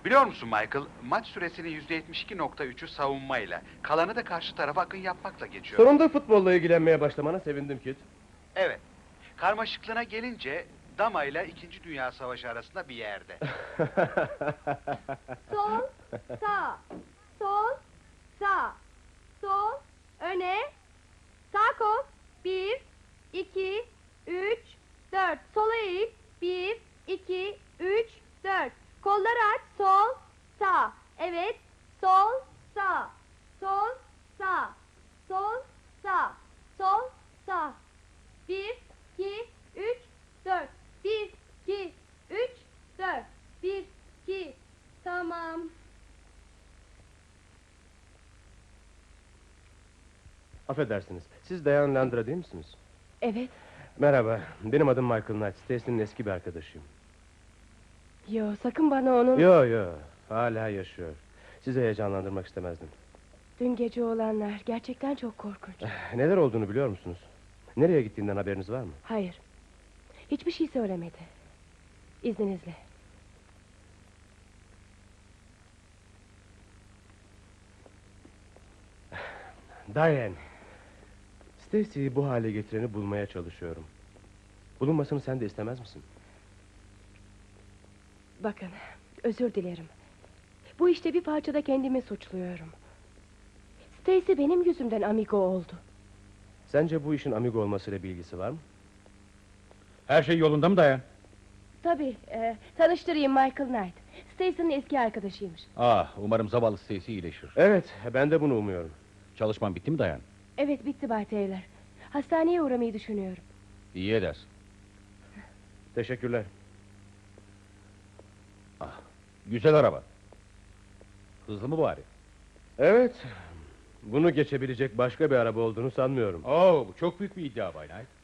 Biliyor musun Michael, maç süresinin %72,3'ü savunmayla, kalanı da karşı tarafa akın yapmakla geçiyor. Sonunda futbolla ilgilenmeye başlamana sevindim Kit. Evet. Karmaşıklığına gelince, Dama ile 2. Dünya Savaşı arasında bir yerde. Sol, sağ, sol, sağ, sol, öne, sağ kol, 1, 2, 3, 4, sola eğil, 1, 2, 3, 4, kolları aç, sol, sağ, evet, sol, sağ, sol, sağ, sol, sağ, sol, sağ, 1, 2, 3, 4, 1, 2, 3, 4, 1, 2, tamam. Affedersiniz, siz Dayan Landra değil misiniz? Evet. Merhaba, benim adım Michael Knight, Stacy'nin eski bir arkadaşıyım. Yo, sakın bana onun... Yo, hala yaşıyor. Sizi heyecanlandırmak istemezdim. Dün gece olanlar gerçekten çok korkunç. Neler olduğunu biliyor musunuz? Nereye gittiğinden haberiniz var mı? Hayır. Hiçbir şey söylemedi. İzninizle. Diane. Stacy'yi bu hale getireni bulmaya çalışıyorum. Bulunmasını sen de istemez misin? Bakın, özür dilerim. Bu işte bir parçada kendimi suçluyorum. Stacy benim yüzümden amigo oldu. Sence bu işin amigo olmasıyla bir ilgisi var mı? Her şey yolunda mı Dayan? Tabii, tanıştırayım, Michael Knight. Stacy'nin eski arkadaşıymış. Umarım zavallı Stacy iyileşir. Evet, ben de bunu umuyorum. Çalışman bitti mi Dayan? Evet, bitti Bay Taylor. Hastaneye uğramayı düşünüyorum. İyi edersin. Teşekkürler. Güzel araba. Hızlı mı bari? Evet, bunu geçebilecek başka bir araba olduğunu sanmıyorum. Bu çok büyük bir iddia Bay Knight.